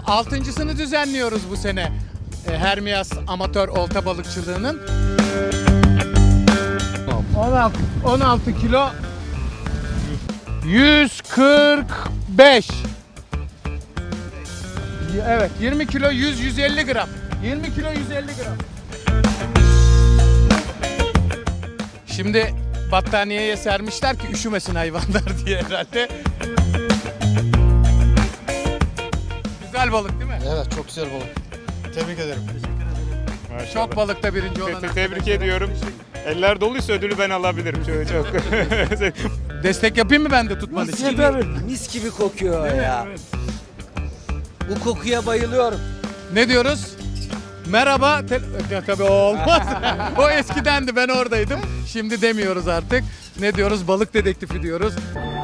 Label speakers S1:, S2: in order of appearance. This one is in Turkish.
S1: Altıncısını düzenliyoruz bu sene. Hermias amatör olta balıkçılığının. 16 kilo 145. Evet, 20 kilo 150 gram. 20 kilo 150 gram. Şimdi battaniyeye sermişler ki üşümesin hayvanlar diye herhalde. Güzel balık değil mi?
S2: Evet, çok güzel balık. Tebrik ederim.
S3: Maşallah.
S1: Çok balıkta birinci olan.
S3: Tebrik ediyorum. Eller doluysa ödülü ben alabilirim. Çok.
S1: Destek yapayım mı ben de tutman için?
S4: Mis gibi kokuyor ya. Bu kokuya bayılıyorum.
S1: Ne diyoruz? Merhaba. Ya, tabii o olmaz. O eskidendi, ben oradaydım. Şimdi demiyoruz artık. Ne diyoruz? Balık dedektifi diyoruz.